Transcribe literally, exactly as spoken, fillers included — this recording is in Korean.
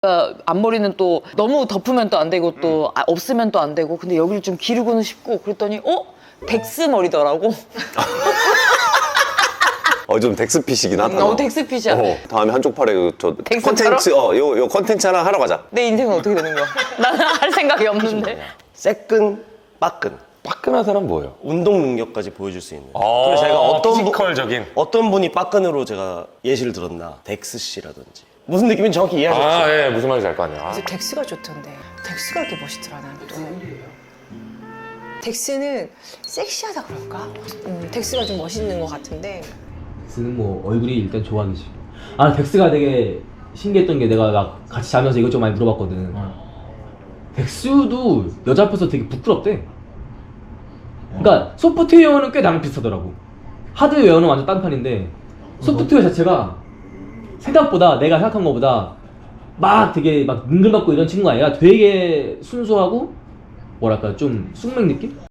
그러니까 앞머리는 또 너무 덮으면 또 안 되고 또 아, 없으면 또 안 되고 근데 여기를 좀 기르고는 싶고 그랬더니 어? 덱스 머리더라고. 어, 좀 덱스핏이긴 하다. 어, 덱스핏이야. 어, 다음에 한쪽 팔에 그 저 덱스처럼? 컨텐츠, 어, 요, 요 컨텐츠 하나 하러 가자. 내 인생은 어떻게 되는 거야? 나는 할 생각이 없는데. 새끈, 빠끈. 빠끈한 사람 뭐예요? 운동 능력까지 보여줄 수 있는. 아, 그래서 제가 어떤 분- 피지컬적인. 어떤 분이 빠끈으로 제가 예시를 들었나. 덱스 씨라든지. 무슨 느낌인지 정확히 이해하셨죠? 아, 예, 무슨 말인지 알 거 아니야. 아. 그래서 덱스가 좋던데. 덱스가 이렇게 멋있더라, 난 또. 덱스는 섹시하다 그럴까? 음, 덱스가 좀 멋있는 것 같은데. 덱스는 뭐 얼굴이 일단 좋아하지. 아 덱스가 되게 신기했던 게 내가 막 같이 자면서 이것저것 많이 물어봤거든. 덱스도 여자 앞에서 되게 부끄럽대. 그러니까 소프트웨어는 꽤 나랑 비슷하더라고. 하드웨어는 완전 딴판인데 소프트웨어 자체가 생각보다 내가 생각한 것보다 막 되게 막 능글맞고 이런 친구가 아니라 되게 순수하고 뭐랄까 좀 숙맥 느낌?